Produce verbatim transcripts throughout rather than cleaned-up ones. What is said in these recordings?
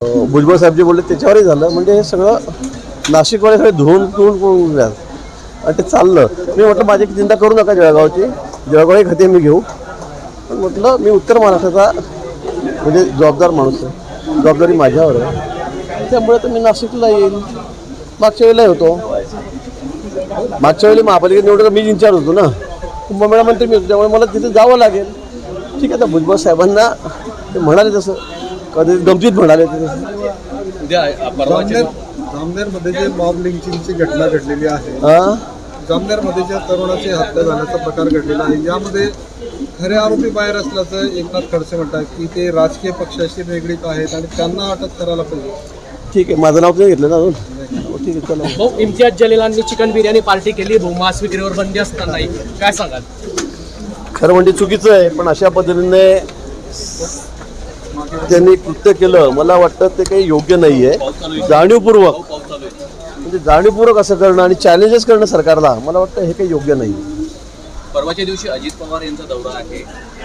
भुजबळ साहेब जे बोलले त्याच्यावरही झालं. म्हणजे हे सगळं नाशिकवाले सगळे धुवून धुवून करून आणि ते चाललं. मी म्हटलं माझी चिंता करू नका जळगावची, जळगावही खाते मी घेऊ, पण म्हटलं मी उत्तर महाराष्ट्राचा म्हणजे जबाबदार माणूस आहे, जबाबदारी माझ्यावर आहे, त्यामुळे तर मी नाशिकला येईल. मागच्या वेळेला होतो, मागच्या वेळी महापालिकेत निवडून मी इन्चार्ज होतो ना, कुंभमेळा मंत्री मी होतो, त्यामुळे मला तिथे जावं लागेल. ठीक आहे, तर भुजबळ साहेबांना ते म्हणाले तसं, कधी गमतीत म्हणाले ते जामनेरमध्ये जे मॉब लिंचिंगची घटना घडलेली आहे, जामनेरमध्ये ज्या तरुणाची हत्या झाल्याचा प्रकार घडलेला आहे, यामध्ये खरे आरोपी बाहेर असल्याचं एकनाथ खडसे म्हणतात की ते राजकीय पक्षाशी निगडीत आहेत आणि त्यांना अटक करायला पाहिजे. ठीक आहे, माझं नाव नाही घेतलं ना अजून. ठीक आहे, चला. भाऊ, इम्तियाज जलीलांनी चिकन बिर्याणी पार्टी केली, भाऊ मांस विक्रीवर बंदी असतानाही काय सांगाल? खरं म्हणजे चुकीचं आहे, पण अशा पद्धतीने त्यांनी कृत्य केलं, मला वाटतं ते काही योग्य नाही आहे. जाणीवपूर्वक म्हणजे जाणीवपूर्वक असं करणं आणि चॅलेंजेस करणं सरकारला, मला वाटतं हे काही योग्य नाही. परवाच्या दिवशी अजित पवार यांचा दौरा आहे,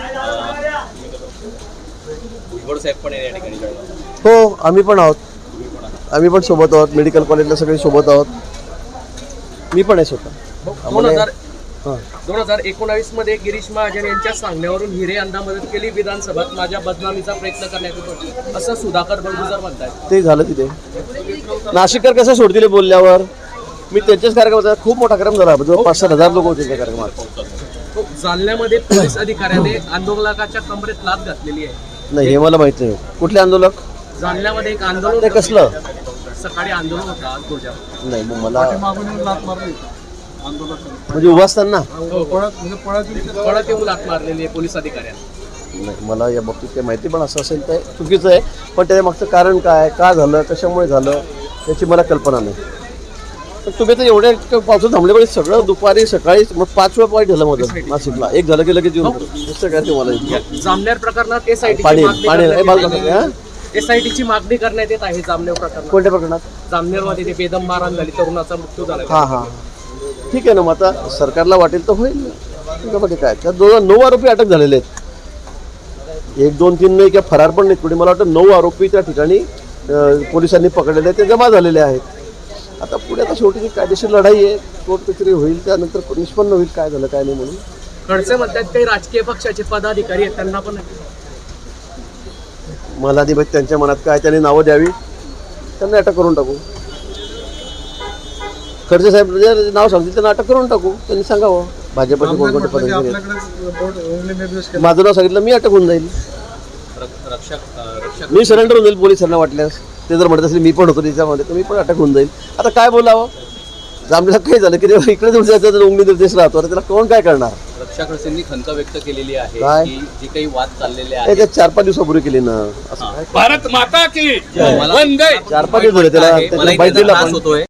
भुजबळ साहेब पण या ठिकाणी. हो, आम्ही पण आहोत, आम्ही पण सोबत आहोत, मेडिकल कॉलेजला सगळे सोबत आहोत, मी पण आहे स्वतः. दोन हजार दोन हजार एकोणावीस मध्ये गिरीश महाजन यांच्या सांगण्यावरून हिरे यांना मदत केली, विधानसभेत माझ्या बदनामीचा प्रयत्न करण्यात येतो असं सुधाकर बंडुजर म्हणतात. ते झालं तिथे. नाशिककर कसं सोडतील बोलल्यावर? मी त्यांच्याच कार्यक्रमाचा खूप मोठा कार्यक्रम झाला, जवळपास सात हजार लोक होते त्या कार्यक्रमात. जालन्यामध्ये पोलीस अधिकाऱ्याने आंदोलकाच्या कमरेत लाथ घातलेली आहे. नाही, हे मला माहित नाही. कुठले आंदोलक? जालन्यामध्ये एक आंदोलन. ते कसलं? सकाळी आंदोलन होतं आज तुझ्या. नाही, मग मला लात मारली म्हणजे उभा असताना पळत येऊन लाथ मारलेली आहे पोलीस अधिकाऱ्यांनी. नाही, मला या बाबतीत काही माहिती, पण असं असेल तर चुकीचं आहे. पण त्याच्या मागचं कारण काय, का झालं, कशामुळे झालं याची मला कल्पना नाही. पण तुम्ही तर एवढ्या पावसात थांबल्यामुळे सगळं दुपारी सकाळी मग पाच वेळा पॉईंट झालं माझं नाशिकला. एक झालं की लगेच येऊन दुसरं काय तुम्हाला जामनेर प्रकरणात एसआयटी पाणी पाणी एसआयटीची मागणी करण्यात येत आहे. जामनेर प्रकरणात. कोणत्या प्रकरणात? जामनेरमध्ये ते बेदम मारहाण झाली, तरुणाचा मृत्यू झाला. हां हां, ठीक आहे ना. मग आता सरकारला वाटेल तर होईल. त्याच्यामध्ये काय, त्या दोन नऊ आरोपी अटक झालेले आहेत. एक दोन तीन नाही किंवा फरार पण नाहीत पुढे. मला वाटतं नऊ आरोपी त्या ठिकाणी पोलिसांनी पकडलेले आहेत, ते जमा झालेले आहेत. आता पुढे आता शेवटी जी कायदेशीर लढाई आहे, कोर्ट कचेरी होईल, त्यानंतर निष्पन्न होईल काय झालं काय नाही म्हणून. खडसे म्हणतात काही राजकीय पक्षाचे पदाधिकारी आहेत, त्यांना पण मला नाही माहित त्यांच्या मनात काय, त्यांनी नावं द्यावी, त्यांना अटक करून टाकू. खडसे साहेब जे नाव सांगतील त्यांना अटक करून टाकू. त्यांनी सांगावं भाजपचे कोणकोणते पदाधिकारी आहेत. माझं नाव सांगितलं मी अटक होऊन जाईल, मी सरेंडर होऊन जाईल पोलिसांना वाटल्यास. ते जर म्हणत असेल मी पण होतो त्याच्यामध्ये, तर मी पण अटक होऊन जाईल. आता काय बोलावं? जामनेर काय झालं की इकडे जाऊन जायचं उंगली निर्देश राहतो, त्याला कोण काय करणार? रक्षा खडसेंनी खंत व्यक्त केलेली आहे काय? की जे काही वाद चाललेले आहे ते चार पाच दिवसापूर्वी केली ना. असं भारत माता की चार पाच दिवस झाले त्याला, त्याला बाईट दिला पण.